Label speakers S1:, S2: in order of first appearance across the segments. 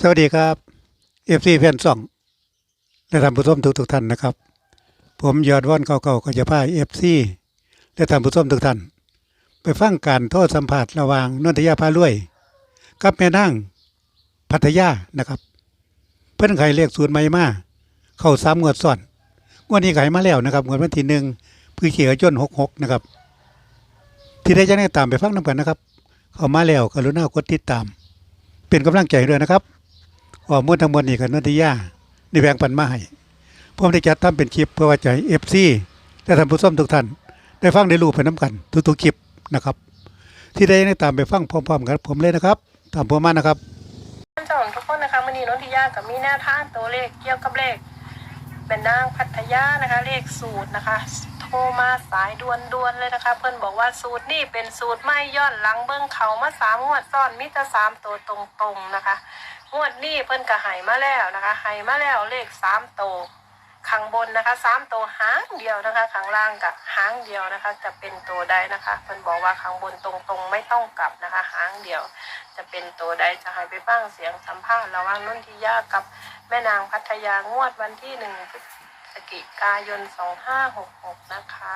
S1: สวัสดีครับFCแฟนซ่องและท่านผู้ชมทุกท่านนะครับผมยอดว่อนเก่าๆก็จะพา FC และท่านผู้ชมทุกท่านไปฟังการโทษสัมภาษณ์ระหว่างนนทยาพารวยกับแม่นางพัทยานะครับเพิ่นไขเลขศูนย์ใหม่มาเข้า3งวดซ้อนงวดนี้ไขมาแล้วนะครับงวดวันที่1พฤศจิกายน66นะครับที่ได้จะได้ตามไปฟังนำกันนะครับเข้ามาแล้วกรุณากดติดตามเป็นกำลังใจด้วยนะครับข้อมูลทั้งหมดนี้ก็นนทิยาได้แบ่งปันมาให้ผมได้จัดทำเป็นคลิปเพื่อว่าจะให้ FC และท่านผู้ชมทุกท่านได้ฟังได้รู้ไปนํกันทุกๆคลิปนะครับที่ได้ตามไปฟังพร้อมๆกันผมเลยนะครับตามผมมานะครับ
S2: ท่านผู้ชมทุกคนนะคะวันนี้นนทิยากับมีแนวทางตัวเลขเกี่ยวกับเลขเป็นนางพัทยานะคะเลขสูตรนะคะโทรมาสายด่วนๆเลยนะคะเพื่อนบอกว่าสูตรนี่เป็นสูตรไม่ย้อนหลังเบิ้งเขามา3 งวดซ้อนมิตร3 ตัวตรงๆนะคะงวดนี้เพื่อนก็ให้มาแล้วนะคะให้มาแล้วเลข3 ตัวข้างบนนะคะ3 ตัวหางเดียวนะคะข้างล่างกับหางเดียวนะคะจะเป็นตัวใดนะคะเพื่อนบอกว่าข้างบนตรงๆไม่ต้องกลับนะคะหางเดียวจะเป็นตัวใดจะให้ไปฟังเสียงสัมภาษณ์ระหว่างนนทิยากับแม่นางพัทยางวดวันที่1 พฤศจิกายน 2566นะคะ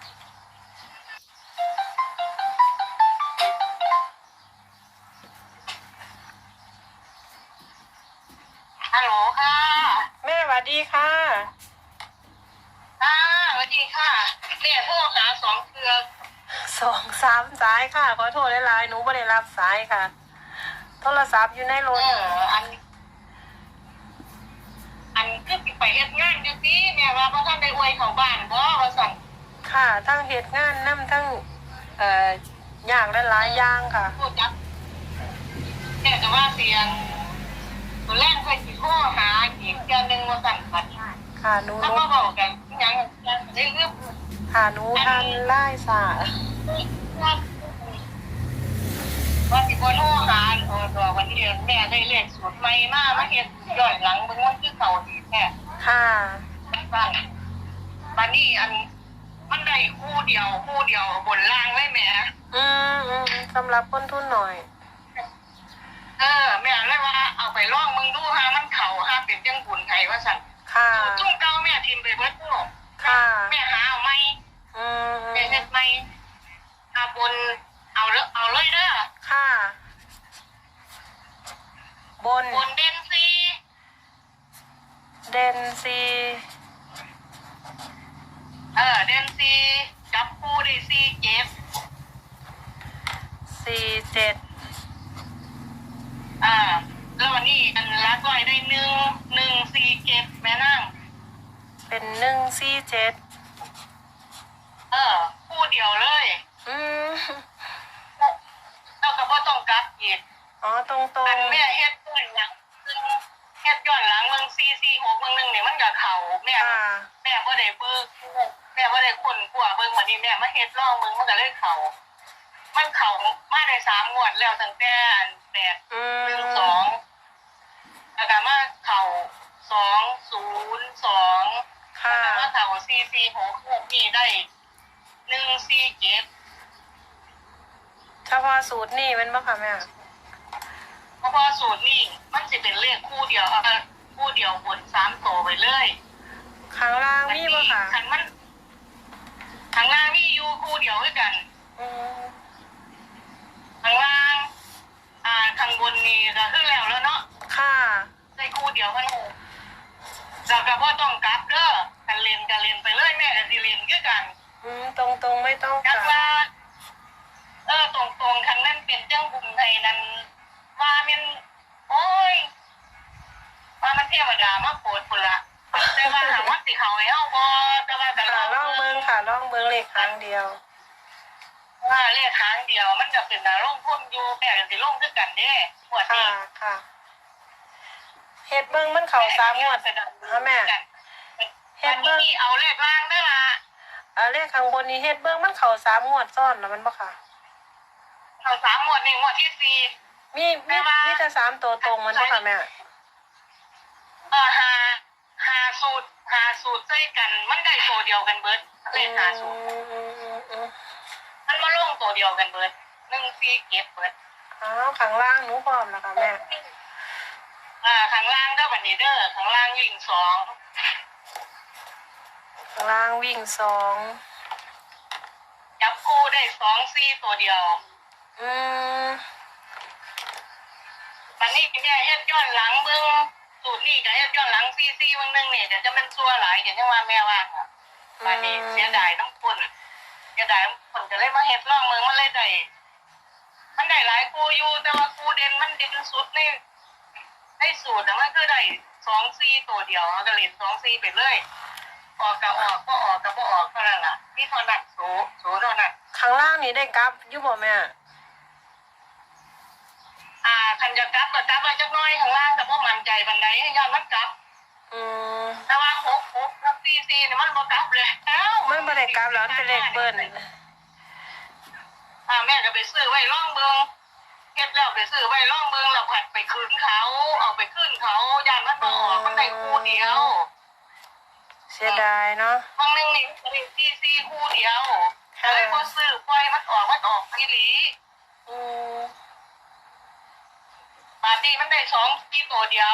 S3: ฮัลโหลค่ะ
S2: แม่สวัสดีค่ะ
S3: สวัสดีค่ะเนี่ยพวกหา2 เครือ
S2: 2 3 สายค่ะขอโทษหลายๆหนูไม่ได้รับสายค่ะโทรศัพท์อยู่ในรถ
S3: อันคือไปเฮ็ดงานจังซี่แม่ว่าบ่ทันได้อวยเข้าบ้านบ่ว่าซั่น
S2: ค่ะทั้งเหตุงานนำทั้งอย่างหลายๆอย่างค่ะ
S3: พูดจักแต่ก็ว่าเสียงตัวแรกค่อยสิโทรหาอีกเทื่อนึงว่าซั่น
S2: ค่ะหนู
S3: ถ้ามาบอกกันหยังได้เรื่อง
S2: ค่ะหนูทันไล่สา
S3: ว่าสิบ่โทรหาตัววันนี้แม่ได้เลขสูตรใหม่มาเฮ็ดย้อนหลังเบิ่งมันคือเก่าดีแท้
S2: ค่ะ
S3: บัดนี้มันได้คู่เดียวบนล่างเลยแม่
S2: สำหรับคนทุนหน่อย
S3: แม่เลยว่าเอาไปลองมึงดูหามันเข้าหาเป็นจังบุญไทยว่าซั่น
S2: ค่ะ
S3: จุ่มเก่าแม่ทิมไปเบิดพวก
S2: ค่ะ
S3: แม่หาเอาใหม่แม่เฮ็ดใหม่บนเอาเลยเด้อ
S2: ค่ะบน
S3: เด่นซี
S2: เด่นซี
S3: จับคู่ได้
S2: 47
S3: แล้ววันนี้ลักไว้ได้147แม่นาง
S2: เป็น147
S3: คู่เดียวเลยแล้วก็บ่ต้องกลับอีก
S2: ตรง
S3: อันแม่เฮ็ดย้อนหลังเบิ่ง446เบิ่งนึงนี่มันก็เข้าแม่บ่ได้เบิ่งแม่บ่ได้ค้นคว้าเบิ่งบัดนี้แม่มาเฮ็ดลองเบิ่งมันก็เลยเข้ามันเข้ามาได้3 งวดแล้วตั้งแต่812แล้วก็มาเข้า202ค่ะมาเข้า446นี่ได้147
S2: เฉพาะสูตรนี่เป็นบ่ค่ะแม่
S3: เพราะว่าสูตรนี่มันจะเป็นเลขคู่เดียวบน3 ตัวไปเลย
S2: ข้างล่างมีบ่ค่ะ
S3: ข้างล่างมีอยู่คู่เดียวด้วยกันข้างล่างข้างบนนี่ก็คือแล้วเนาะ
S2: ค่ะ
S3: ได้คู่เดียวกันแล้วก็บ่ต้องกลับเด้อกันเล่นไปเลยแม่ก็สิเล่นคือกัน
S2: ตรงไม่ต้อง
S3: กลับว่าตรงคันนั้นเป็นจังบุญไทยนั้นว่ามันโอ้ยว่ามันเทวดามาโปรดพุ่นละแต่ว่าหาว่าสิเขาให้เฮาบ่แต่ว่าก็
S2: ลองเบิ่งค่ะลองเบิ่งเลขครั้งเดียว
S3: ว่าเลขครั้งเดียวมันจะเป็นลงทุนอยู่แม่ก็สิลงคือกันเด้งวดนี้
S2: ค่ะเฮ็ดเบิ่งมันเข้า3 งวดแม่
S3: เฮ็ดเบิ่งเอาเลขล่างได้ล่ะ
S2: เลขข้างบนนี้เฮ็ดเบิ่งมันเข้า3 งวดซ้อนแล้วมันบ่ค่ะ
S3: เข้า3 งวดนี่งวดที่4
S2: มีแต่3 ตัวตรงมันบ่ค่ะแม่
S3: หาสูตรใส่กันมันได้ตัวเดียวกันเบิดเลขหาสูตรมันมาลงตัวเดียวกันเบิด147เบิด
S2: ข้างล่างหนูพร้อมแล้วค่ะแม่
S3: างล่างเด้อบัดนี้เด้อข้างล่างวิ่ง2
S2: ข้างล่างวิ่ง2
S3: จับคู่ได้2-4ตัวเดียว
S2: อืม
S3: บัดนี้แม่เฮ็ดย้อนหลังเบิ่งสูตรนี้ก็เฮ็ดย้อนหลัง4-4วันนึงนี่เดี๋ยวจะมันซัวหลายอย่างที่ว่าแม่ว่าบัดนี้เสียดายน้ำคนเสียดายคนจะเลยมาเฮ็ดลองเมืองมันเลยมันได้หลายคู่อยู่แต่ว่าคู่เด่นมันเด่นสุดในสูตรมันคือได้2-4ตัวเดียวก็เล่น2-4ไปเลยออกก็ออกก็ออกก็บ่ออกเท่านั้นล่ะมีเท่านั้นโสเท่านั้น
S2: ข้างล่างนี่ได้กลับอยู่บ่แม่
S3: คันจะกลับก็กลับมาจักหน่อยข้างล่างก็บ่มั่นใจปานใดย้อนมันกลับแต่ว่า6กับ4นี่มันบ่กลับเลย
S2: มันบ่ได้กลับแล้วมันเป็นเลขเบิ้ล
S3: แม่ก็ไปซื้อไว้ลองเบิ่งเฮ็ดแล้วไปซื้อไว้ลองเบิ่งแล้วผัดไปคืนเขาเอาไปคืนเขาย่านมันบ่ออกมันได้คู่เดียว
S2: เสียดายเนาะ
S3: บางนึงนี่ก็ได้4คู่เดียวก็เลยบ่ซื้อปล่อยมันออกอีหลีบาดนี้มันได้2ตัวเดียว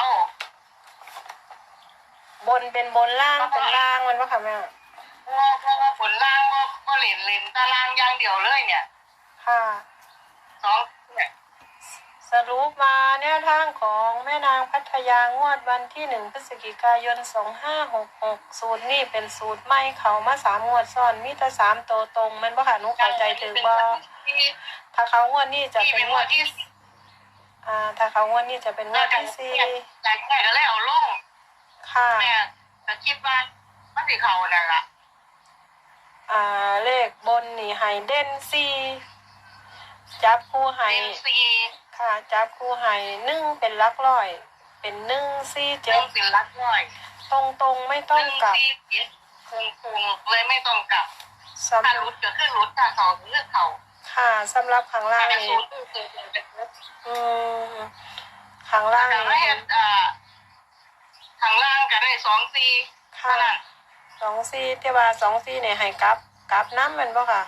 S2: บนเป็นบนล่างเป็นล่างมันบ่ค่ะแม่
S3: เพราะว่าผลล่างก็เล่นตารางอย่างเดียวเลยเนี่ย
S2: ค่ะ
S3: 2เนี่ย
S2: สรุปมาแนวทางของแม่นางพัทยางวดวันที่1พฤศจิกายน2566สูตรนี่เป็นสูตรใหม่เขามา3งวดซ้อนมีแต่3ตัวตรงแม่นบ่ค่ะหนูเข้าใจถึงบ่ถ้าเขางวดนี้จะเป็นงวดที่ถ้าเขางวดนี้จะเป็นงวดที่4
S3: แต่แม่ก็เลยเอาลง
S2: ค่ะ
S3: แม่ก็คิดว่ามันสิเข้านั่นล่ะ
S2: เลขบนนี่ให้เด่น4จับคู่ให้ค่ะจับคู่ให้1เป็นหลักร้อยเป็น1 4 7
S3: เป็นหลักร้อย
S2: ตรงไม่ต้องกลับ
S3: คงเลยไม่ต้องกลับถ้ารุดก็คือรุดถ้าเขาคือเขา
S2: ค่ะสำหรับข้างล่างนี่ข้างล่าง
S3: นี่ข้างล่างก็ได้2-4
S2: ค่ะ2-4แต่ว่า2-4เนี่ยให้กลับน้ำมันบ่ค่ะ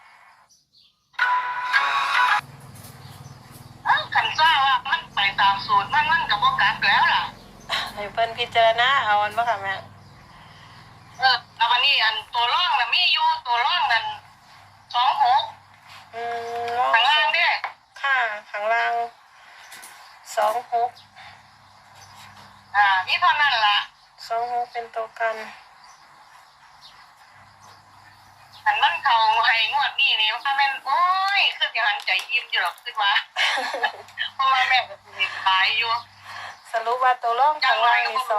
S3: ขันซ่าว่ามันไปตามสูตรมันก็บ่กลับแล้วล่ะ
S2: ให้เพิ่นพิจารณาเอาอันบ่ค่ะแม่
S3: แล้ววันนี้อันตัวร่องน่ะมีอยู่ตัวร่องนั่น26ข้างล่างเด้
S2: ค่ะข้างล่าง26
S3: นี่เท่านั้นล่ะ
S2: 26เป็นตัวกัน
S3: อันมันเขาให้งวดนี้นี่ว่าแม่นโอ้ยคือสิหันใจยิ้มอยู่หรอกคิดว่าเพราะว่าแม่ก็สิขายอยู่
S2: สรุปว่าตัวร่องข้างล่างนี่26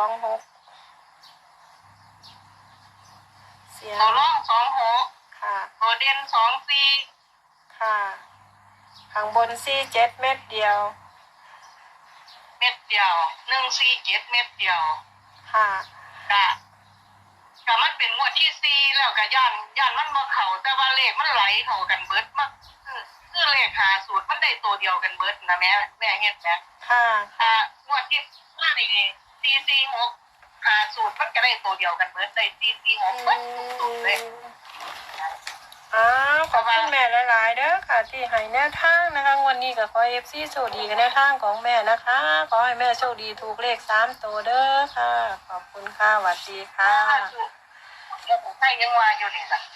S3: ตัวร่อง26
S2: ค่ะ
S3: ตัวเด่น2-4
S2: ค่ะข้างบน47เม็ดเดียว
S3: 147เม็ดเดียว
S2: ค่ะ
S3: ก็มันเป็นงวดที่4แล้วก็ย่านมันบ่เข้าแต่ว่าเลขมันไหลเข้ากันเบิดมากคือเลข5สูตรมันได้ตัวเดียวกันเบิดนะแม่เฮ็ดแหม
S2: ค่ะ
S3: งวดที่5นี่446สูตรมันก็ได้ตัวเดียวกันเบิดได้446เบิดสูตรเลย
S2: ขอบคุณแม่หลายๆเด้อค่ะที่ให้แนวทางนะคะวันนี้ก็ขอ FC โชคดีกับแนวทางของแม่นะคะขอให้แม่โชคดีถูกเลข3ตัวเด้อค่ะขอบคุณค่ะสวัสดีค่ะ
S3: ให้ยังว่าอยู่นี่ล่ะ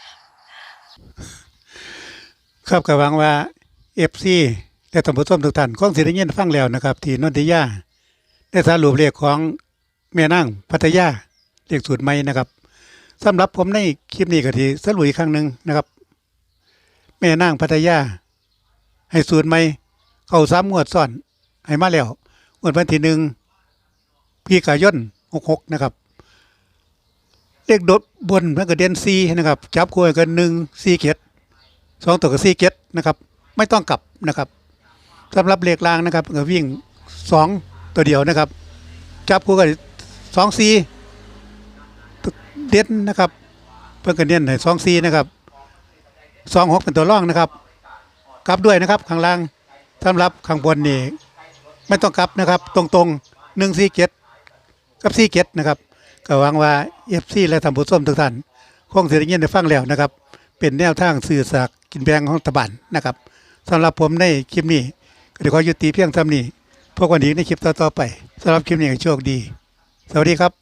S1: ครับก็หวังว่า FC และท่านผู้ชมทุกท่านคงสิได้ยินฟังแล้วนะครับที่นนทิยาได้สรุปเลขของแม่นางพัทยาเลขสูตรใหม่นะครับสำหรับผมในคลิปนี้ก็ที่สรุปอีกครั้งนึงนะครับแม่นางพัทยาให้สูตรใหม่เข้า3งวดซ้อนให้มาแล้วงวดวันที่1พฤศจิกายน66นะครับเลขดบนมันก็เด่น4นะครับจับคู่กัน1 4 7 2ตัวก็4 7นะครับไม่ต้องกลับนะครับสำหรับเลขล่างนะครับก็วิ่ง2ตัวเดียวนะครับจับคู่กัน2 4เด่นนะครับเพิ่นก็เน้นให้2-4นะครับ2-6เป็นตัวรองนะครับกลับด้วยนะครับข้างล่างสำหรับข้างบนนี่ไม่ต้องกลับนะครับตรงๆ147กับ47นะครับก็หวังว่า FC และท่านผู้ชมทุกท่านคงสิได้ยินได้ฟังแล้วนะครับเป็นแนวทางสื่อสารกินแบ่งของรัฐบาลนะครับสำหรับผมในคลิปนี้ก็ขอยุติเพียงเท่านี้พบกันอีกในคลิปต่อๆไปสำหรับคลิปนี้ก็โชคดี สวัสดีครับ